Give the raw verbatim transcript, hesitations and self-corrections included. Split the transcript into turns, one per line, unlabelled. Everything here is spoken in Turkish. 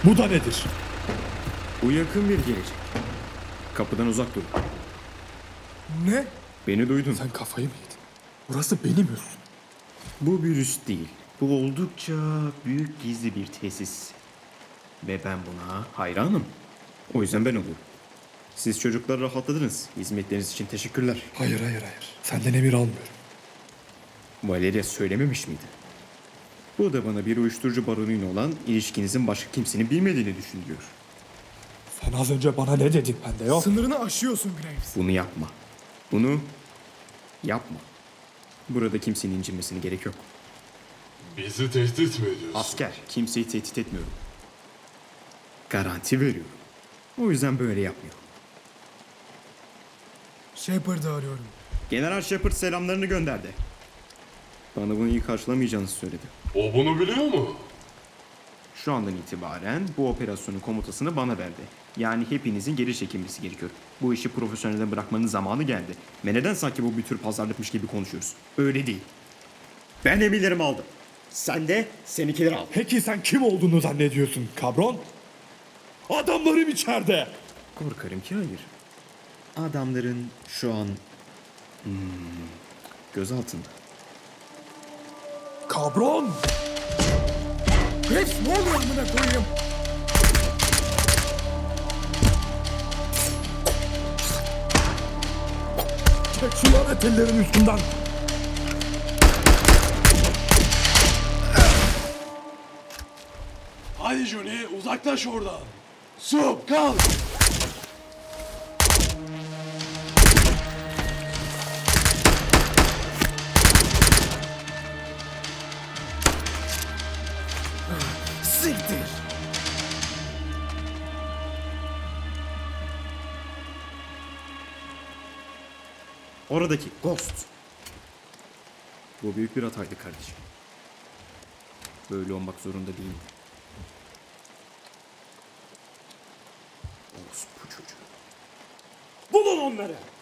Bu da nedir?
Bu yakın bir gelecek. Kapıdan uzak dur.
Ne?
Beni duydun.
Sen kafayı mı yedin? Burası benim üstüm.
Bu bir üst değil. Bu oldukça büyük gizli bir tesis. Ve ben buna hayranım. O yüzden ben oluyorum. Siz çocuklar rahatladınız. Hizmetleriniz için teşekkürler.
Hayır hayır hayır. Senden emir almıyorum.
Valeria söylememiş miydi? Bu da bana bir uyuşturucu baronuyla olan ilişkinizin başka kimsenin bilmediğini düşündürüyor.
Sen az önce bana ne dedin bende yok.
Sınırını aşıyorsun Graves.
Bunu yapma. Bunu yapma. Burada kimsenin incinmesine gerek yok.
Bizi tehdit mi ediyorsun?
Asker, kimseyi tehdit etmiyorum. Garanti veriyorum. O yüzden böyle yapmıyorum.
Shepard'ı arıyorum.
General Shepard selamlarını gönderdi. Bana bunu iyi karşılamayacağınızı söyledi.
O bunu biliyor mu?
Şu andan itibaren bu operasyonun komutasını bana verdi. Yani hepinizin geri çekilmesi gerekiyor. Bu işi profesyonelde bırakmanın zamanı geldi. Ve neden sanki bu bir tür pazarlıkmış gibi konuşuyoruz? Öyle değil. Ben emirlerimi aldım. Sen de seninkileri al.
Peki sen kim olduğunu zannediyorsun kabron? Adamlarım içeride.
Korkarım ki hayır. Adamların şu an hmm, göz altında.
Kabron!
Graves ne oluyor amına koyayım?
Çek şu lanet ellerin üstünden.
Hadi Johnny uzaklaş oradan. Sup kalk.
Siktir.
Oradaki Ghost. Bu büyük bir hataydı kardeşim. Böyle olmak zorunda değildi. Orospu çocuğu.
Bulun onları.